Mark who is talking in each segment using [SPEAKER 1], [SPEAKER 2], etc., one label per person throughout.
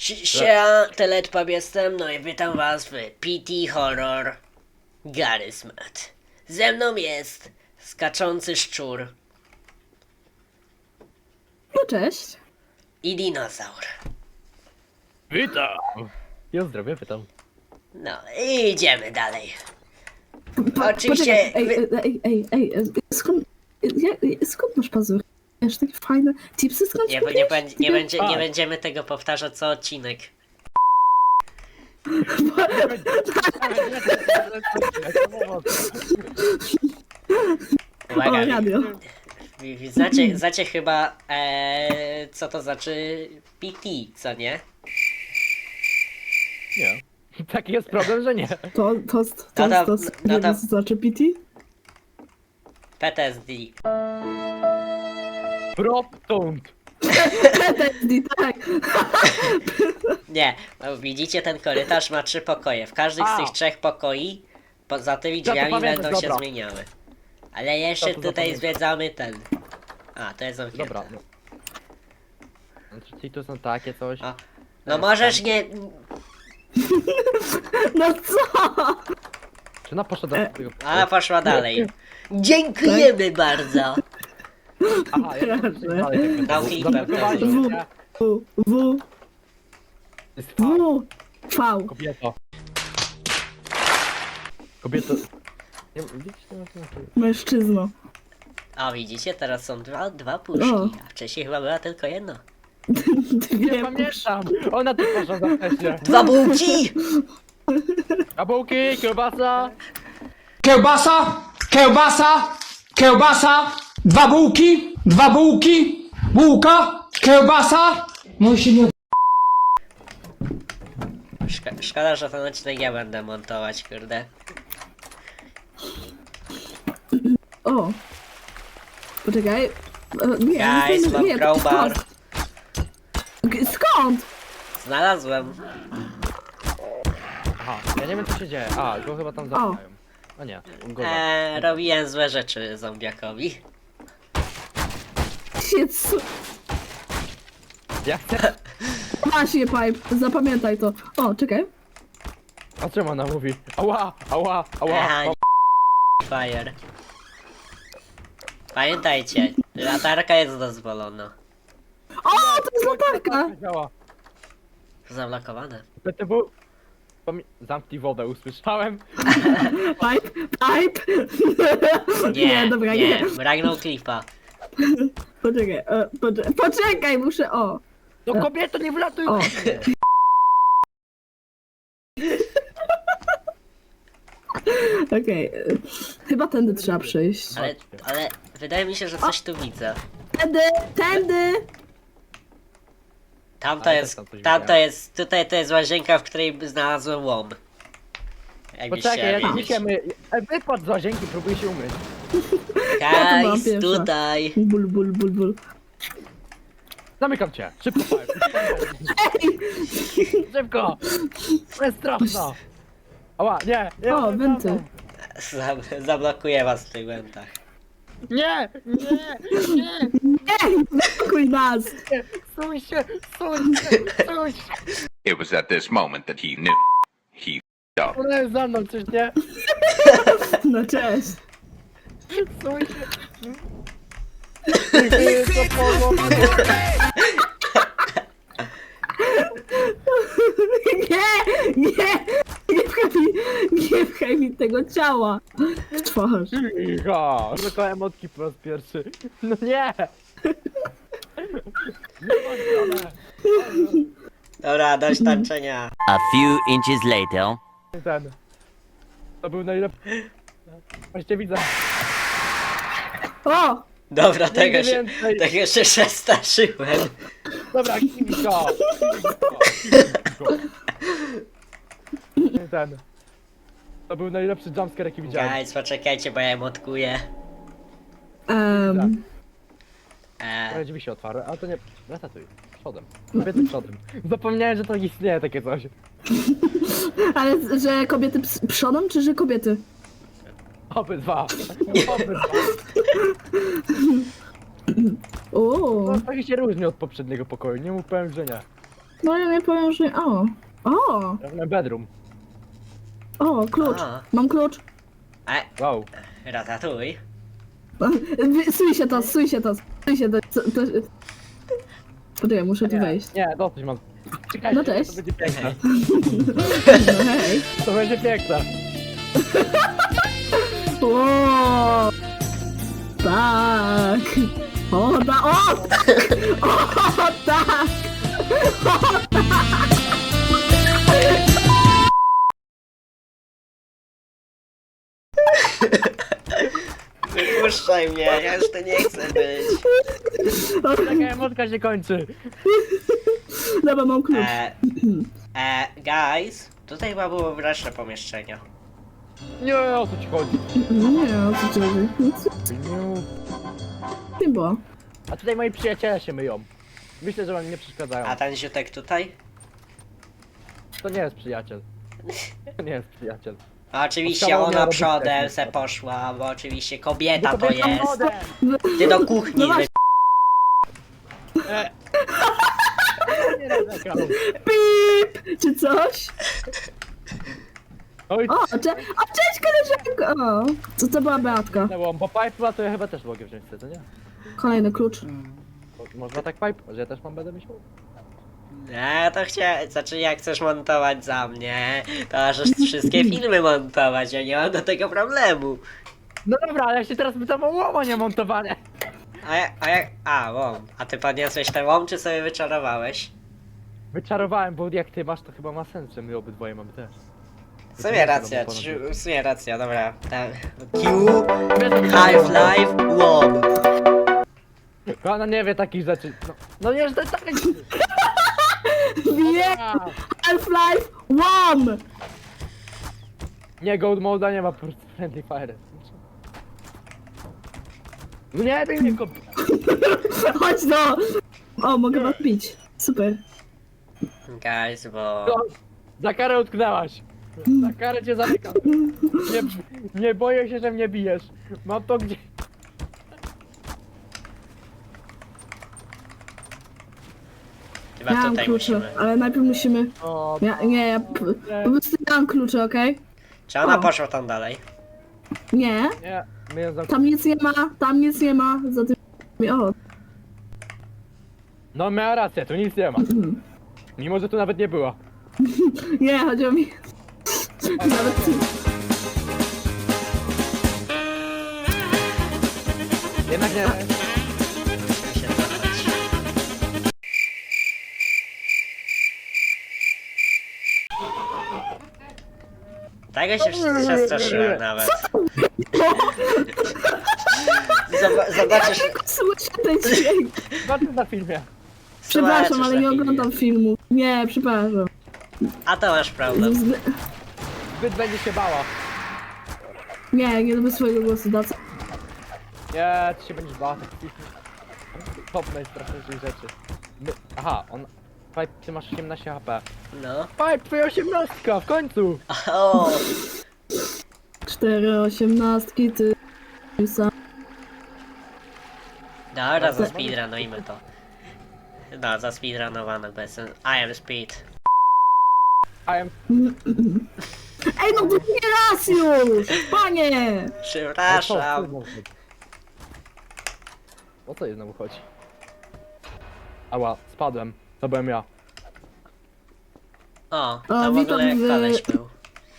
[SPEAKER 1] Teletpub jestem, no i witam was w PT Horror Garysmat. Ze mną jest skaczący szczur
[SPEAKER 2] No cześć.
[SPEAKER 1] i dinozaur.
[SPEAKER 3] Witam! Ja zdrowie, witam.
[SPEAKER 1] No i idziemy dalej. Oczywiście
[SPEAKER 2] Poczekaj, skąd masz pazury? Wiesz, takie fajne tipsy skąd
[SPEAKER 1] nie będziemy tego powtarzać co odcinek. Uwaga,
[SPEAKER 2] O, radio.
[SPEAKER 1] znacie chyba co to znaczy PT, co nie?
[SPEAKER 3] Nie. Taki jest problem, że nie.
[SPEAKER 2] To
[SPEAKER 1] no to-
[SPEAKER 2] znaczy PT?
[SPEAKER 1] PTSD.
[SPEAKER 3] Proptąd.
[SPEAKER 2] PTSD, tak.
[SPEAKER 1] Nie, no widzicie, ten korytarz ma 3 pokoje. W każdym z tych 3 pokoi poza tymi
[SPEAKER 3] to
[SPEAKER 1] drzwiami
[SPEAKER 3] pamiętasz,
[SPEAKER 1] będą się
[SPEAKER 3] dobra.
[SPEAKER 1] zmieniały. Ale jeszcze
[SPEAKER 3] To
[SPEAKER 1] tutaj
[SPEAKER 3] zapamiętam.
[SPEAKER 1] zwiedzamy ten. A, to jest zamknięte.
[SPEAKER 3] Dobra. No. Czyli tu są takie coś.
[SPEAKER 1] O, no możesz nie...
[SPEAKER 2] No co?
[SPEAKER 3] Czy ona poszła do tego?
[SPEAKER 1] Ona poszła dalej. Dziękujemy bardzo.
[SPEAKER 3] Aha, ja nie wiem, dalej.
[SPEAKER 1] Dał
[SPEAKER 3] Tak,
[SPEAKER 1] flipem
[SPEAKER 3] zablokowali
[SPEAKER 2] też.
[SPEAKER 3] mnie.
[SPEAKER 2] W.
[SPEAKER 3] Jest fakt.
[SPEAKER 2] V.
[SPEAKER 3] Kobieto. Kobieto. Nie, widzisz, to
[SPEAKER 2] Mężczyzno.
[SPEAKER 1] O, widzicie, teraz są dwa puszki,
[SPEAKER 2] O.
[SPEAKER 1] a wcześniej chyba była tylko jedna.
[SPEAKER 3] nie
[SPEAKER 2] Dwie
[SPEAKER 3] pamiętam. Ona tu poszła za wcześnie.
[SPEAKER 1] 2 bułki!
[SPEAKER 3] Kabułki, kiełbasa.
[SPEAKER 4] Kiełbasa, kiełbasa, kiełbasa, dwa bułki, bułka, kiełbasa. No i się nie...
[SPEAKER 1] Szkoda, że ten odcinek ja będę montować, kurde.
[SPEAKER 2] O. Poczekaj. Nie,
[SPEAKER 1] Guys, mam
[SPEAKER 2] nie,
[SPEAKER 1] crowbar.
[SPEAKER 2] Skąd?
[SPEAKER 1] Znalazłem.
[SPEAKER 3] Aha, ja nie wiem co się dzieje. A, go chyba tam zabijają. A nie, on go
[SPEAKER 1] Robiłem złe rzeczy zombiakowi.
[SPEAKER 2] Jezu.
[SPEAKER 3] Ja chcę.
[SPEAKER 2] Właśnie, Pipe, zapamiętaj to. O, czekaj.
[SPEAKER 3] A czemu ona mówi? Ała, ała, ała.
[SPEAKER 1] Aha, fire. Pamiętajcie, latarka jest dozwolona.
[SPEAKER 2] O, to jest latarka.
[SPEAKER 3] Działa.
[SPEAKER 1] Zablokowane.
[SPEAKER 3] PTW. Zamknij wodę, usłyszałem.
[SPEAKER 2] Pipe, Pipe.
[SPEAKER 1] Nie,
[SPEAKER 2] dobra, nie.
[SPEAKER 1] Bragnął klipa.
[SPEAKER 2] Poczekaj, poczekaj, muszę, o.
[SPEAKER 3] No kobieto, nie wlatuj!
[SPEAKER 2] O. Okej, chyba tędy trzeba przyjść.
[SPEAKER 1] Ale wydaje mi się, że coś tu widzę.
[SPEAKER 2] Tędy!
[SPEAKER 1] Tamto
[SPEAKER 3] Ale
[SPEAKER 1] jest,
[SPEAKER 3] też tam coś
[SPEAKER 1] tamto
[SPEAKER 3] widziałem.
[SPEAKER 1] jest, tutaj to jest łazienka, w której znalazłem łom. Jakbyście
[SPEAKER 3] Poczekaj, ja
[SPEAKER 1] wiedzieć.
[SPEAKER 3] dzisiaj my... Wypadł z łazienki, próbuję się umyć.
[SPEAKER 2] byłam
[SPEAKER 1] Guys,
[SPEAKER 2] pierwsza.
[SPEAKER 1] tutaj.
[SPEAKER 2] Ból.
[SPEAKER 3] Zamykam cię, szybko powiem. Szybko! To jest straszno! Ała, nie! nie
[SPEAKER 2] O, wenty.
[SPEAKER 1] Zablokuję was w tych wentach.
[SPEAKER 3] Nie! Nie! Nie!
[SPEAKER 2] Ej, blokuj nas!
[SPEAKER 3] Stój się! Stój się!
[SPEAKER 5] It was at this moment that he knew. He f***ed up.
[SPEAKER 3] Ona jest za mną, czyż nie?
[SPEAKER 2] No cześć.
[SPEAKER 3] Stój się! Dziękuję za pomoc!
[SPEAKER 2] Nie pchaj mi tego ciała w twarz.
[SPEAKER 3] Cicho! Tylko emotki po raz pierwszy. No nie!
[SPEAKER 1] Dobra, dość tańczenia.
[SPEAKER 6] A few inches later.
[SPEAKER 3] Ten. To był najlepszy. Właśnie widzę.
[SPEAKER 2] O!
[SPEAKER 1] Dobra, tego
[SPEAKER 3] więcej.
[SPEAKER 1] się przestraszyłem.
[SPEAKER 3] Dobra, Kimiko! Ten. To był najlepszy jumpscare jaki widziałem.
[SPEAKER 1] Guys, poczekajcie, bo ja emotkuję.
[SPEAKER 3] Ale drzwi się otwarły, ale to nie... Ratatuj. Przodem. Kobiety przodem. Zapomniałem, że to istnieje takie coś.
[SPEAKER 2] Ale że kobiety przodą, czy że kobiety?
[SPEAKER 3] Obydwa. Obydwa.
[SPEAKER 2] O,
[SPEAKER 3] No, to się różni od poprzedniego pokoju, nie mów, powiem, że nie.
[SPEAKER 2] No ja nie powiem, że... O,
[SPEAKER 3] Pewnie bedroom.
[SPEAKER 2] klucz.
[SPEAKER 1] A.
[SPEAKER 2] Mam klucz.
[SPEAKER 3] Wow.
[SPEAKER 1] Ratatuj.
[SPEAKER 2] Suj się to. Poczekaj, muszę tu wejść.
[SPEAKER 3] Nie, dosyć mam. Czekajcie,
[SPEAKER 2] No cześć.
[SPEAKER 3] to będzie piękne.
[SPEAKER 2] No hej.
[SPEAKER 3] To będzie piękne.
[SPEAKER 2] O, tak. O, tak.
[SPEAKER 1] Wypuszczaj mnie, ja już tu nie chcę być.
[SPEAKER 3] Czekaj, emotka się kończy.
[SPEAKER 2] Dobra, mam klucz.
[SPEAKER 1] Guys, tutaj chyba było wreszcie pomieszczenie.
[SPEAKER 3] Nie, o co ci chodzi?
[SPEAKER 2] Nie, o co ci chodzi? Nie było.
[SPEAKER 3] A tutaj moi przyjaciele się myją. Myślę, że wam nie przeszkadzają.
[SPEAKER 1] A ten ziutek tutaj?
[SPEAKER 3] To nie jest przyjaciel. To nie jest przyjaciel.
[SPEAKER 1] A oczywiście
[SPEAKER 3] Odkawał
[SPEAKER 1] ona
[SPEAKER 3] miała
[SPEAKER 1] przodem
[SPEAKER 3] robić
[SPEAKER 1] se poszła, bo oczywiście kobieta to
[SPEAKER 3] kobieta
[SPEAKER 1] jest.
[SPEAKER 3] młode.
[SPEAKER 1] Ty do kuchni
[SPEAKER 2] No właśnie.
[SPEAKER 3] Nie narzekam.
[SPEAKER 2] Pip! Czy coś?
[SPEAKER 3] Oj,
[SPEAKER 2] Cześć koleżanko! O, co to była Beatka?
[SPEAKER 3] no, bo pipe to ja chyba też mogę wziąć, co nie?
[SPEAKER 2] Kolejny klucz.
[SPEAKER 3] Można tak pipe, że ja też będę myślał?
[SPEAKER 1] Nie, to chciałem, znaczy jak chcesz montować za mnie, to możesz wszystkie filmy montować, ja nie mam do tego problemu.
[SPEAKER 3] No dobra, ale ja się teraz pytam o łamanie montowanie.
[SPEAKER 1] Łom. A ty podniosłeś ten łom, czy sobie wyczarowałeś?
[SPEAKER 3] Wyczarowałem, bo jak ty masz, to chyba ma sens, że my obydwoje mamy też.
[SPEAKER 1] W sumie racja, dobra. Ten Q, Half-Life, łom.
[SPEAKER 3] Ona nie wie takich rzeczy. No nie, że to jest takie...
[SPEAKER 2] Wie! Half-Life 1!
[SPEAKER 3] Nie, Gold Moda nie ma po prostu Friendly Fire. No nie, ty mnie kop...
[SPEAKER 2] Chodź no! O, mogę was pić. Super.
[SPEAKER 1] Guys, bo...
[SPEAKER 3] No, za karę utknęłaś. Za karę cię zamykam. Nie boję się, że mnie bijesz. Mam to gdzie...
[SPEAKER 1] Chyba
[SPEAKER 2] Ja mam
[SPEAKER 1] tutaj
[SPEAKER 2] klucze,
[SPEAKER 1] musimy.
[SPEAKER 2] ale najpierw musimy...
[SPEAKER 3] O,
[SPEAKER 2] Ja po prostu nie mam kluczy, okej?
[SPEAKER 1] Czy ona
[SPEAKER 2] O.
[SPEAKER 1] poszła tam dalej?
[SPEAKER 2] Nie,
[SPEAKER 3] nie, my ją zamknę.
[SPEAKER 2] tam nic nie ma, za tym... O,
[SPEAKER 3] No miała rację, tu nic nie ma. Mimo, że tu nawet nie było.
[SPEAKER 2] nie, chodziło mi... Nawet...
[SPEAKER 3] Jednak nie.
[SPEAKER 1] Musimy się cofać. Tego się przestraszyłem nawet. Zobaczysz,
[SPEAKER 2] Słyszę ten dźwięk.
[SPEAKER 3] Zobaczmy na filmie.
[SPEAKER 2] Przepraszam,
[SPEAKER 1] zobaczysz
[SPEAKER 2] ale
[SPEAKER 1] na
[SPEAKER 2] nie
[SPEAKER 1] filmie.
[SPEAKER 2] oglądam filmu. Nie, przepraszam.
[SPEAKER 1] A to masz problem.
[SPEAKER 3] Zbyt będzie się bała.
[SPEAKER 2] Nie lubię swojego głosu, da co?
[SPEAKER 3] Nie, ty się będziesz bała takich top najstraszniejszych rzeczy. Aha, on... Pipe, ty masz 18 HP.
[SPEAKER 1] No.
[SPEAKER 3] Pipe, twoja 18 w końcu!
[SPEAKER 1] O,
[SPEAKER 2] 4 osiemnastki, ty... sam.
[SPEAKER 1] dobra, zaspeedrunujmy to. No, zaspeedrunowane bez sensu. I am speed.
[SPEAKER 3] I am...
[SPEAKER 2] Ej, no to nie raz już! Panie!
[SPEAKER 1] Przepraszam.
[SPEAKER 3] O co jej znowu chodzi? Ała, spadłem. To byłem ja.
[SPEAKER 1] O, tam w
[SPEAKER 2] witam
[SPEAKER 1] ogóle
[SPEAKER 2] w-
[SPEAKER 1] koleś był.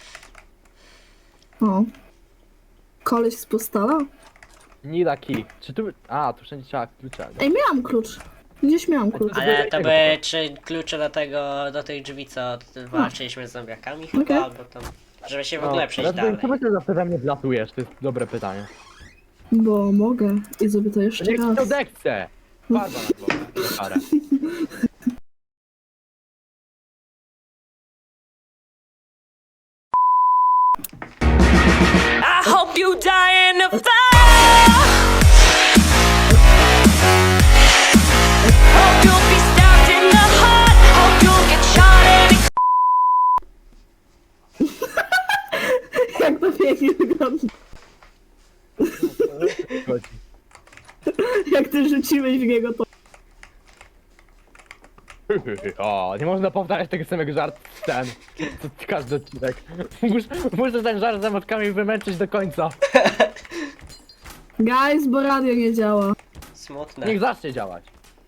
[SPEAKER 2] O. Koleś z postala?
[SPEAKER 3] Nida key. Czy tu... A, tu wszędzie trzeba klucza.
[SPEAKER 2] Ej, miałam klucz. Gdzieś miałam klucz.
[SPEAKER 1] Ale to były czy klucze do tych drzwi, co walczyliśmy z zombiakami chyba,
[SPEAKER 2] Okej.
[SPEAKER 1] albo tam, żeby się w ogóle przejść
[SPEAKER 3] ale
[SPEAKER 1] dalej.
[SPEAKER 3] Czemu ty zawsze we mnie wlatujesz? To jest dobre pytanie.
[SPEAKER 2] Bo mogę. I zrobię to jeszcze
[SPEAKER 3] Niech ci to
[SPEAKER 2] raz.
[SPEAKER 3] dechce! Farba na głowę. Karę.
[SPEAKER 7] I hope you die in a fire. Hope you'll be stabbed in the heart. Hope you'll get shot in a
[SPEAKER 2] Jak to pięknie wygląda.
[SPEAKER 3] Chodzi.
[SPEAKER 2] Jak ty rzuciłeś w niego to...
[SPEAKER 3] O, nie można powtarzać tego samego żartu ten. Każdy odcinek. Muszę ten żart z emotkami wymęczyć do końca.
[SPEAKER 2] Guys, bo radio nie działa.
[SPEAKER 1] Smutne.
[SPEAKER 3] Niech zacznie działać.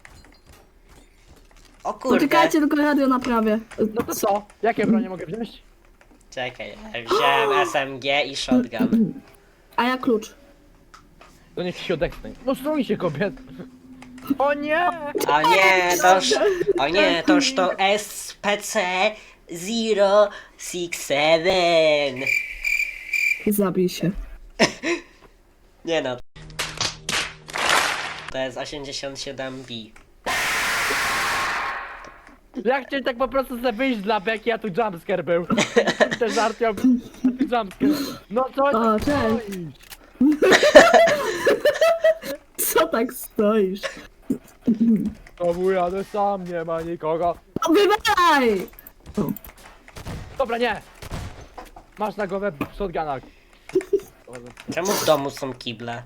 [SPEAKER 1] O kurde.
[SPEAKER 2] Poczekajcie, tylko radio naprawię.
[SPEAKER 3] No to co? Jakie bronie mogę wziąć?
[SPEAKER 1] Czekaj, wziąłem SMG i shotgun.
[SPEAKER 2] A ja klucz.
[SPEAKER 3] To niech się odechcę. No stój się kobiet. O nie!
[SPEAKER 1] O nie, toż to SPC 067.
[SPEAKER 2] Zabij się.
[SPEAKER 1] Nie no. To jest 87B.
[SPEAKER 3] Ja chciałem tak po prostu sobie wyjść dla beki, a tu jumpscare był. Ten żart miał... a tu jumpscare. No co?
[SPEAKER 2] O, cześć. Co tak stoisz?
[SPEAKER 3] To jadę sam, nie ma nikogo.
[SPEAKER 2] O, wywalaj!
[SPEAKER 3] Dobra, nie! Masz na głowę shotguna.
[SPEAKER 1] Czemu w domu są kible?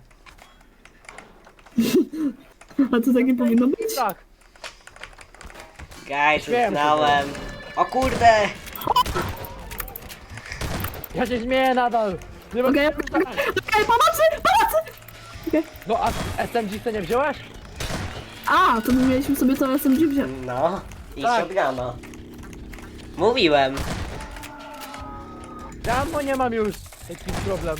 [SPEAKER 2] A to tak nie powinno być?
[SPEAKER 3] Tak.
[SPEAKER 1] Guys,
[SPEAKER 3] Wiem,
[SPEAKER 1] uznałem. O kurde!
[SPEAKER 3] Ja się śmieję nadal. Nie ma...
[SPEAKER 2] Okej, pomocy! Pomocy!
[SPEAKER 3] No a SMG co nie wziąłeś?
[SPEAKER 2] A, to my mieliśmy sobie to SMG wziąć.
[SPEAKER 1] No, i
[SPEAKER 3] Tak.
[SPEAKER 1] shotguna. Mówiłem.
[SPEAKER 3] Ja bo nie mam już. Jakiś problem.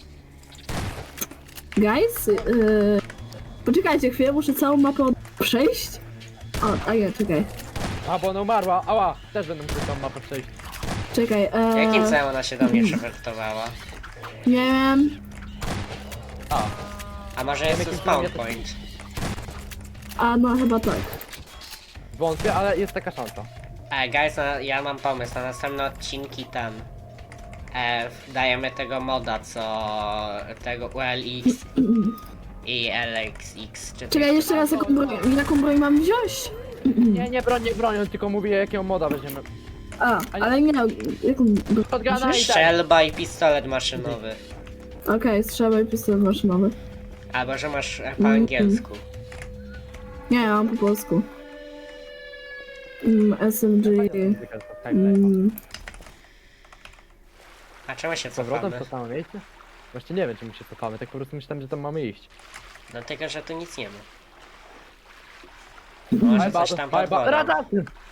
[SPEAKER 2] Guys, poczekajcie chwilę, muszę całą mapę przejść. O, a nie, czekaj.
[SPEAKER 3] A bo ona umarła. Ała, też będę musiał tą mapę przejść.
[SPEAKER 2] Czekaj,
[SPEAKER 1] Jakim celem ona się do mnie przewertowała?
[SPEAKER 2] nie wiem.
[SPEAKER 3] A,
[SPEAKER 1] A może jest tu
[SPEAKER 3] jakim
[SPEAKER 1] spawn
[SPEAKER 3] celem ja to-
[SPEAKER 1] point?
[SPEAKER 2] A no chyba tak.
[SPEAKER 3] wątpię, ale jest taka szansa.
[SPEAKER 1] Guys, ja mam pomysł, na następne odcinki tam dajemy tego moda, co tego ULX i LXX, czy
[SPEAKER 2] Czekaj, jeszcze raz, jaką broń mam wziąć?
[SPEAKER 3] Nie bronią, tylko mówię jakiego moda weźmiemy.
[SPEAKER 2] A, ale nie, jaką broń?
[SPEAKER 3] Shotguna i tak.
[SPEAKER 1] strzelba i pistolet maszynowy.
[SPEAKER 2] Okej, strzelaj pistolet maszynowy.
[SPEAKER 1] Albo że masz po angielsku.
[SPEAKER 2] Nie, ja mam po polsku. SMG.
[SPEAKER 1] A czemu się
[SPEAKER 3] Z powrotem
[SPEAKER 1] cofamy?
[SPEAKER 3] w to samo miejsce? Właśnie nie wiem czemu się cofamy, tak po prostu myślałem, że tam mamy iść.
[SPEAKER 1] Dlatego, że tu nic nie ma. Może coś tam pod wodą.
[SPEAKER 3] Rada!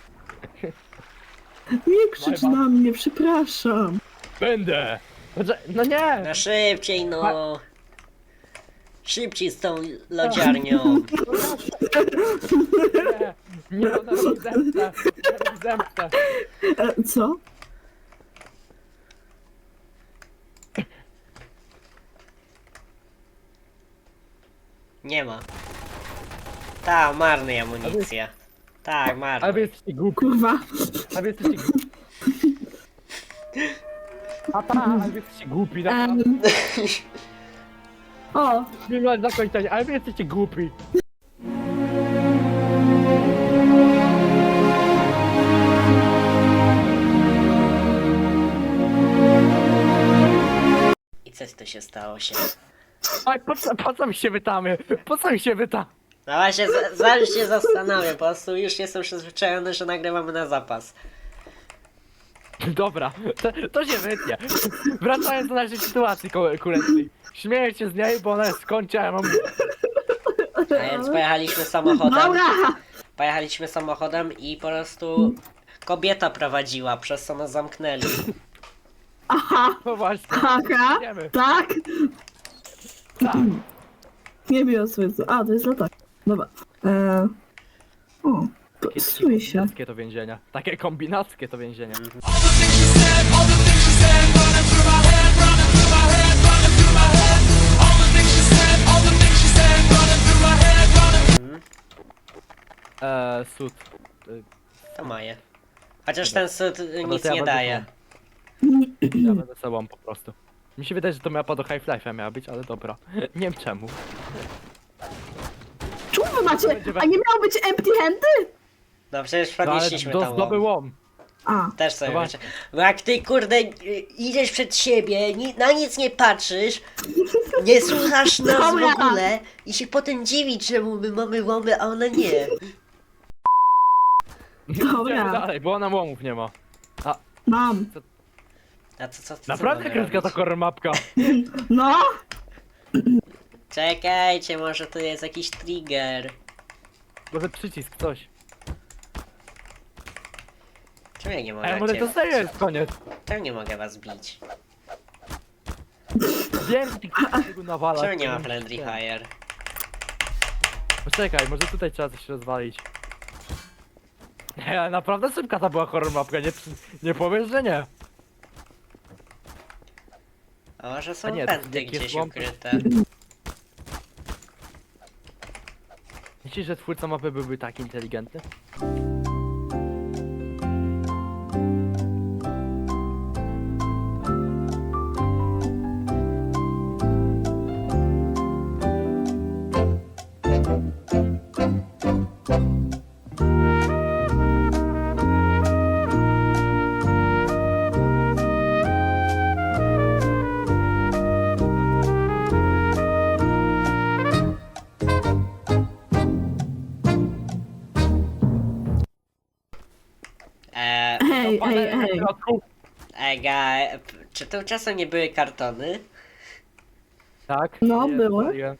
[SPEAKER 2] Nie krzycz
[SPEAKER 3] Bye, bye.
[SPEAKER 2] na mnie, przepraszam.
[SPEAKER 3] Będę! No nie!
[SPEAKER 1] No szybciej no! Szybciej z tą lodziarnią!
[SPEAKER 3] Nie, ona robi zemstę! Robi zemstę!
[SPEAKER 2] Co?
[SPEAKER 1] Nie ma. Ta, marny amunicja. Tak,
[SPEAKER 3] Ale wy
[SPEAKER 1] marny.
[SPEAKER 3] jesteście głupi,
[SPEAKER 2] Kurwa.
[SPEAKER 3] a wy jesteście głupi. Ale wy jesteście głupi, naprawdę.
[SPEAKER 2] O,
[SPEAKER 3] Mimo zakończenia, ale wy jesteście głupi.
[SPEAKER 1] I coś tu się stało się.
[SPEAKER 3] Oj, po co mi się wytamy? Po co mi się wyta?
[SPEAKER 1] No właśnie, zaraz się zastanawiam, po prostu już jestem przyzwyczajony, że nagrywamy na zapas.
[SPEAKER 3] Dobra, to się wytnie. Wracając do naszej sytuacji kurentnej. Śmieję się z niej, bo ona jest skończy, a ja mam...
[SPEAKER 1] A więc pojechaliśmy samochodem.
[SPEAKER 2] dobra.
[SPEAKER 1] Pojechaliśmy samochodem i po prostu kobieta prowadziła, przez co nas zamknęli.
[SPEAKER 2] Aha,
[SPEAKER 3] No właśnie,
[SPEAKER 2] aha,
[SPEAKER 3] wiemy.
[SPEAKER 2] tak.
[SPEAKER 3] Tak.
[SPEAKER 2] Nie wiem sobie co. A, to jest latak. Dobra. O, strój się.
[SPEAKER 3] Kombinackie to więzienia. Takie kombinackie to więzienia. Sud.
[SPEAKER 1] To moje. Chociaż ten sud nic
[SPEAKER 3] to ja
[SPEAKER 1] nie
[SPEAKER 3] będę
[SPEAKER 1] daje.
[SPEAKER 3] Ja będę sobą po prostu. Mi się wydaje, że to mapa do Half-Life'a miała być, ale dobra. Nie wiem czemu.
[SPEAKER 2] Czemu wy macie? A nie miało być empty handy?
[SPEAKER 1] No przecież
[SPEAKER 3] No ale
[SPEAKER 1] podnieśliśmy tam
[SPEAKER 3] zdoby łom.
[SPEAKER 2] A,
[SPEAKER 1] Też sobie
[SPEAKER 3] Dobra.
[SPEAKER 1] myślę. Bo jak ty kurde idziesz przed siebie, na nic nie patrzysz, nie słuchasz nas w
[SPEAKER 2] Dobra.
[SPEAKER 1] ogóle i się potem dziwić, czemu my mamy łomy, a ona nie.
[SPEAKER 3] Idziemy
[SPEAKER 2] Dobra,
[SPEAKER 3] dalej, bo ona łomów nie ma.
[SPEAKER 2] mam.
[SPEAKER 1] A co
[SPEAKER 3] Naprawdę
[SPEAKER 1] mogę
[SPEAKER 3] krótka ta
[SPEAKER 1] robić?
[SPEAKER 3] horror mapka.
[SPEAKER 2] No,
[SPEAKER 1] Czekajcie, może tu jest jakiś trigger.
[SPEAKER 3] Może przycisk, coś.
[SPEAKER 1] Czemu ja nie mogę
[SPEAKER 3] Ej, może to serio jest koniec.
[SPEAKER 1] Czemu nie mogę was bić?
[SPEAKER 3] Wiem, że ty tego nawala.
[SPEAKER 1] Czemu nie ma friendly fire?
[SPEAKER 3] Poczekaj, może tutaj trzeba coś rozwalić. Nie, ale naprawdę szybka ta była horror mapka, nie powiesz, że nie.
[SPEAKER 1] A może
[SPEAKER 3] A
[SPEAKER 1] są
[SPEAKER 3] nie, to
[SPEAKER 1] pędy
[SPEAKER 3] jak jest
[SPEAKER 1] gdzieś
[SPEAKER 3] łom-
[SPEAKER 1] ukryte?
[SPEAKER 3] Myślisz, że twórca mapy byłby tak inteligentny?
[SPEAKER 2] hej, hej, hej.
[SPEAKER 1] Czy to czasem nie były kartony?
[SPEAKER 3] Tak?
[SPEAKER 2] No,
[SPEAKER 3] Nie,
[SPEAKER 2] było.
[SPEAKER 3] serio.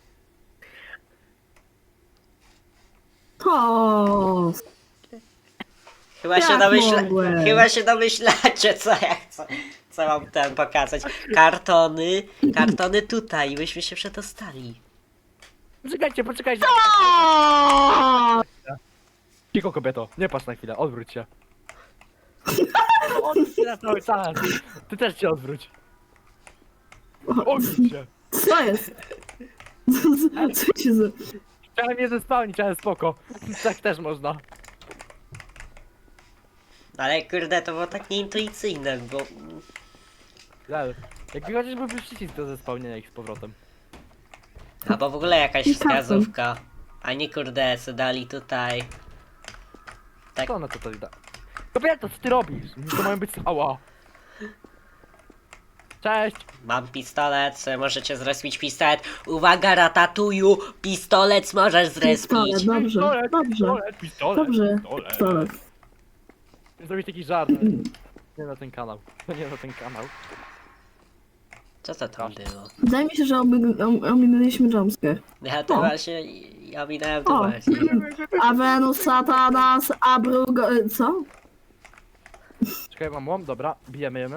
[SPEAKER 2] To.
[SPEAKER 1] Chyba się,
[SPEAKER 2] Jak mogłeś?
[SPEAKER 1] chyba się domyślacie, co mam tam pokazać. Kartony tutaj, byśmy się przedostali.
[SPEAKER 3] Poczekajcie, poczekajcie.
[SPEAKER 2] O!
[SPEAKER 3] Cicho kobieto, nie patrz na chwilę, odwróć się. Odwróć się na cały czas. Ty też się odwróć. Odwróć się.
[SPEAKER 2] Co jest? Co się za...
[SPEAKER 3] Chciałem je zespałnić, ale spoko. Tak też można.
[SPEAKER 1] Ale kurde, to było tak nieintuicyjne, bo...
[SPEAKER 3] Lel. Jakby chociażby był przycisk do zespałnienia ich z powrotem.
[SPEAKER 1] Albo w ogóle jakaś
[SPEAKER 2] I karton.
[SPEAKER 1] wskazówka. A nie kurde, co dali tutaj. Tak.
[SPEAKER 3] Co ona tutaj da? Kobieto, co ty robisz? To mają być... Ała. Cześć.
[SPEAKER 1] Mam pistolet, możecie zrespić pistolet. Uwaga, ratatuju! Pistolet możesz zrespić.
[SPEAKER 2] Pistolet, dobrze, dobrze.
[SPEAKER 3] Pistolet,
[SPEAKER 2] Dobrze,
[SPEAKER 3] pistolet.
[SPEAKER 2] pistolet.
[SPEAKER 3] Zrobić taki żart. Nie na ten kanał. To nie na ten kanał.
[SPEAKER 1] Co to tam było?
[SPEAKER 2] Wydaje mi się, że ominęliśmy jumpscare.
[SPEAKER 1] Ja to
[SPEAKER 2] O.
[SPEAKER 1] właśnie... Ja minąłem to
[SPEAKER 2] O.
[SPEAKER 1] właśnie.
[SPEAKER 2] A Venus, Satanas, Abrugo... Co?
[SPEAKER 3] Czekaj, mam łom, dobra. Bijemy ją.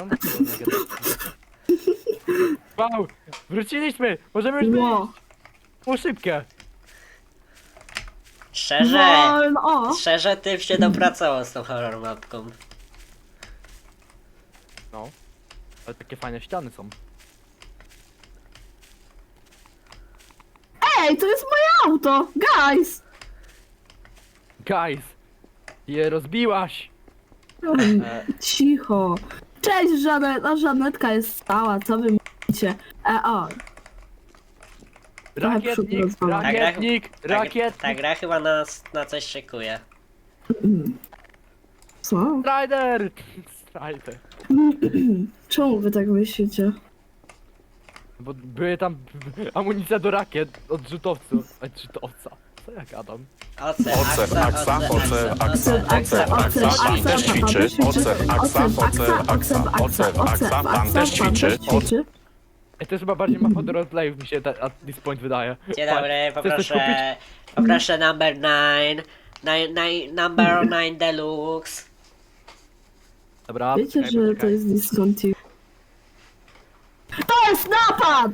[SPEAKER 3] Wow! Wróciliśmy! Możemy już być!
[SPEAKER 2] Ło.
[SPEAKER 3] Było szybkie!
[SPEAKER 1] Szczerze,
[SPEAKER 2] Wolno, o!
[SPEAKER 1] szczerze tym się dopracował z tą horror mapką.
[SPEAKER 3] No. Ale takie fajne ściany są.
[SPEAKER 2] Ej, to jest moje auto! Guys!
[SPEAKER 3] Guys! Je rozbiłaś!
[SPEAKER 2] Cicho. Cześć, Żanet. Żanetka jest stała, co wy mówicie? O, Trochę przód
[SPEAKER 3] Rakietnik!
[SPEAKER 2] rozwalamy.
[SPEAKER 3] Rakietnik! Rakietnik!
[SPEAKER 1] Ta gra chyba na coś szykuje.
[SPEAKER 2] co?
[SPEAKER 3] Strider! Strider.
[SPEAKER 2] Czemu wy tak myślicie?
[SPEAKER 3] Bo były tam amunicja do rakiet od rzutowców. Rzutowca. Co ja gadam?
[SPEAKER 1] Oce, aksa,
[SPEAKER 2] Pan też ćwiczy. Pan też ćwiczy.
[SPEAKER 3] Ej, to jest chyba bardziej mapa do roleplayów mi się at this point wydaje.
[SPEAKER 1] Dzień dobry,
[SPEAKER 3] Chcesz coś kupić?
[SPEAKER 1] poproszę number 9. Number 9 deluxe.
[SPEAKER 3] Dobra,
[SPEAKER 2] Wiecie,
[SPEAKER 3] poczekaj,
[SPEAKER 2] że to
[SPEAKER 3] poczekaj.
[SPEAKER 2] jest discontinuous. To jest napad!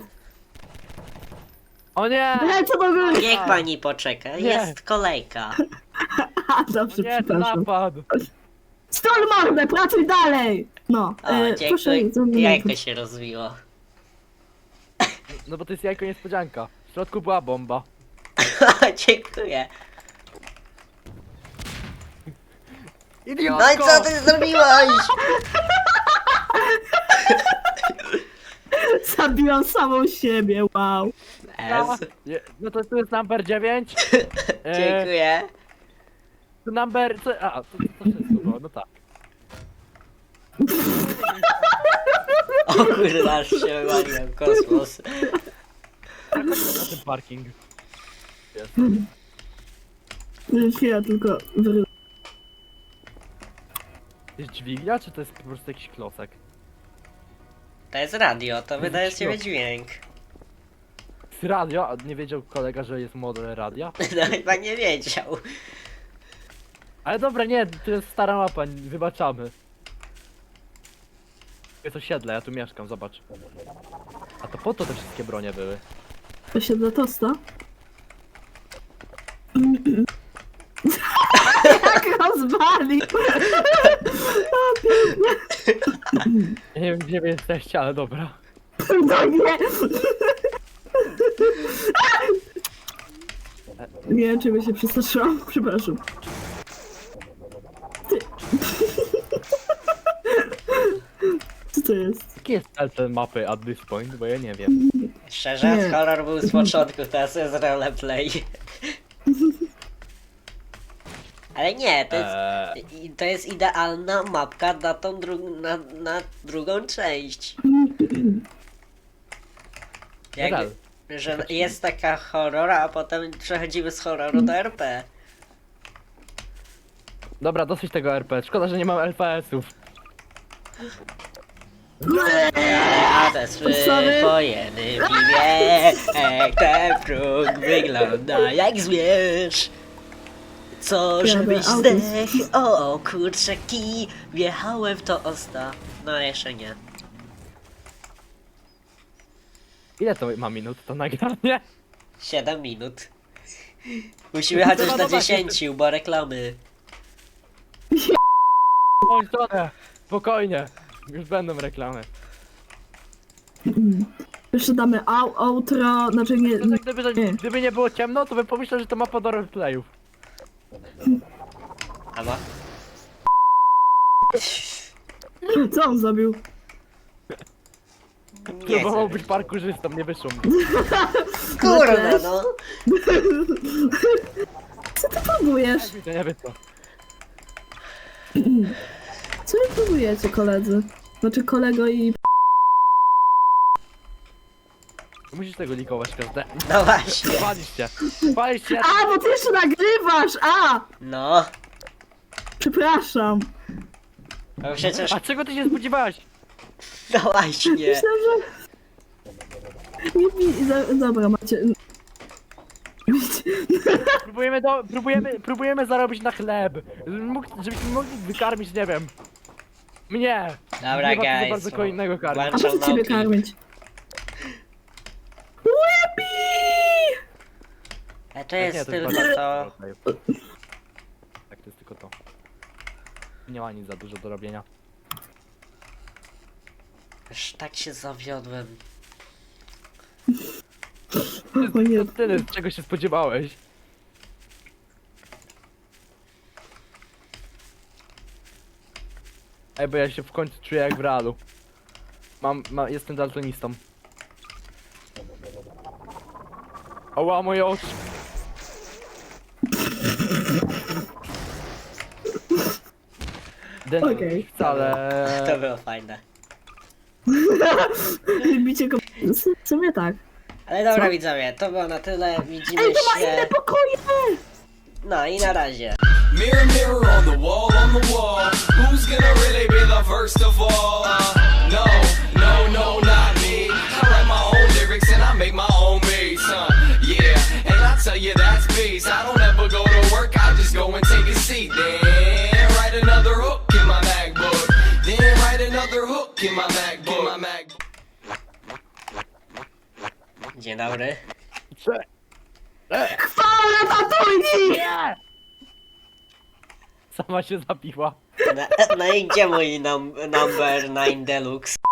[SPEAKER 3] O nie!
[SPEAKER 2] Lecę do góry!
[SPEAKER 1] Niech pani poczeka, jest kolejka.
[SPEAKER 2] Dobrze,
[SPEAKER 3] Nie, to
[SPEAKER 2] przepraszam.
[SPEAKER 3] napad!
[SPEAKER 2] Stol mordę, pracuj dalej! No,
[SPEAKER 1] O,
[SPEAKER 2] proszę,
[SPEAKER 1] dziękuję. Jajko się rozwiło.
[SPEAKER 3] No bo to jest jajko niespodzianka. W środku była bomba.
[SPEAKER 1] Dziękuję.
[SPEAKER 3] Idiotko!
[SPEAKER 1] No i co ty zrobiłaś?
[SPEAKER 2] Zabiłam samą siebie, wow.
[SPEAKER 1] S.
[SPEAKER 3] No to tu jest number 9.
[SPEAKER 1] Dziękuję.
[SPEAKER 3] Tu number... A, to wszystko było, no tak.
[SPEAKER 1] O kurde, aż się wywaliłem, kosmos.
[SPEAKER 3] Na ten parking. Jest.
[SPEAKER 2] Chwila, tylko
[SPEAKER 3] jest dźwignia, czy to jest po prostu jakiś klocek?
[SPEAKER 1] To jest radio, to wydaje z siebie dźwięk.
[SPEAKER 3] Z radio? A nie wiedział kolega, że jest model radia?
[SPEAKER 1] No chyba nie wiedział.
[SPEAKER 3] Ale dobra, nie, to jest stara mapa, wybaczamy. Jest osiedle, ja tu mieszkam, zobacz. A to po to te wszystkie bronie były.
[SPEAKER 2] To się dla tosta. Jak rozwalił!
[SPEAKER 3] Ja nie wiem, gdzie wy jesteście, ale dobra.
[SPEAKER 2] No nie! Nie wiem, czy by się przestraszyłam. Przepraszam. Ty. Co to jest?
[SPEAKER 3] Jaki jest cel tej mapy at this point, bo ja nie wiem.
[SPEAKER 1] Szczerze,
[SPEAKER 2] Nie.
[SPEAKER 1] horror był z początku, teraz jest roleplay. Ale nie, to jest idealna mapka na tą na drugą część.
[SPEAKER 3] Nadal.
[SPEAKER 1] Że jest taka horror, a potem przechodzimy z horroru do RP.
[SPEAKER 3] Dobra, dosyć tego RP, szkoda, że nie mam LPS-ów.
[SPEAKER 1] A te
[SPEAKER 2] Sorry.
[SPEAKER 1] swojeny piwie, ten próg wygląda jak zwierz. Co, żebyś
[SPEAKER 2] autem.
[SPEAKER 1] zdech, o kurczaki, wjechałem w to osta. No jeszcze nie.
[SPEAKER 3] Ile to ma minut, to nagranie?
[SPEAKER 1] 7 minut. Musimy chociaż
[SPEAKER 3] Trzeba
[SPEAKER 1] do
[SPEAKER 3] zobaczyć.
[SPEAKER 1] 10, bo reklamy.
[SPEAKER 3] Oj, stronę, spokojnie, już będą reklamy.
[SPEAKER 2] Jeszcze damy outro, znaczy nie...
[SPEAKER 3] To tak,
[SPEAKER 2] nie.
[SPEAKER 3] gdyby nie było ciemno, to bym pomyślał, że to mapa do roleplayów.
[SPEAKER 1] Albo?
[SPEAKER 2] Co on zrobił?
[SPEAKER 1] Nie
[SPEAKER 3] Próbował
[SPEAKER 1] chcę.
[SPEAKER 3] być parkurzystą, nie wyszło mi.
[SPEAKER 1] Kurwa no.
[SPEAKER 2] Co ty próbujesz?
[SPEAKER 3] To nie wyszło.
[SPEAKER 2] Co wy próbujecie, koledzy? Znaczy kolego i...
[SPEAKER 3] Musisz tego likować każde.
[SPEAKER 1] No właśnie.
[SPEAKER 3] Palisz się.
[SPEAKER 2] A, bo ty jeszcze nagrywasz! A!
[SPEAKER 1] No.
[SPEAKER 2] Przepraszam.
[SPEAKER 1] No przecież,
[SPEAKER 3] A czego ty się spodziewałeś?
[SPEAKER 1] no właśnie.
[SPEAKER 2] Myślę, że... Dobra, macie...
[SPEAKER 3] Próbujemy zarobić na chleb. Żebyśmy mogli wykarmić, nie wiem. Mnie!
[SPEAKER 1] Dobra,
[SPEAKER 3] Nie ma tu za
[SPEAKER 1] guys.
[SPEAKER 3] bardzo kogo innego karmić.
[SPEAKER 2] A
[SPEAKER 1] Włączam
[SPEAKER 2] po co ciebie
[SPEAKER 1] nauki.
[SPEAKER 2] karmić? Łebi!
[SPEAKER 1] To jest tylko
[SPEAKER 3] bardzo-
[SPEAKER 1] to.
[SPEAKER 3] Tak, to jest tylko to. Nie ma nic za dużo do robienia.
[SPEAKER 1] Już tak się zawiodłem.
[SPEAKER 2] O nie,
[SPEAKER 3] To tyle, czego się spodziewałeś. Ej, bo ja się w końcu czuję jak w realu. Jestem daltonistą. Ała, moje oczy.
[SPEAKER 2] Okej.
[SPEAKER 3] Wcale.
[SPEAKER 1] To było fajne.
[SPEAKER 2] bicie go... W sumie tak.
[SPEAKER 1] Ale dobra
[SPEAKER 2] Co?
[SPEAKER 1] widzowie, to było na tyle. Widzimy
[SPEAKER 2] Ej, to ma inne
[SPEAKER 1] się.
[SPEAKER 2] pokoje!
[SPEAKER 1] No i na razie.
[SPEAKER 8] Mirror, mirror on the wall, who's gonna really be the first of all? No, no, no, not me. I write my own lyrics and I make my own beats, yeah, and I tell you that's peace. I don't ever go to work, I just go and take a seat. Then write another hook in my MacBook. Then write another hook in my MacBook.
[SPEAKER 1] Dzień dobry.
[SPEAKER 2] Chwała tatuj!
[SPEAKER 3] Nie! Sama się zabiła.
[SPEAKER 1] No i gdzie mój number 9 deluxe?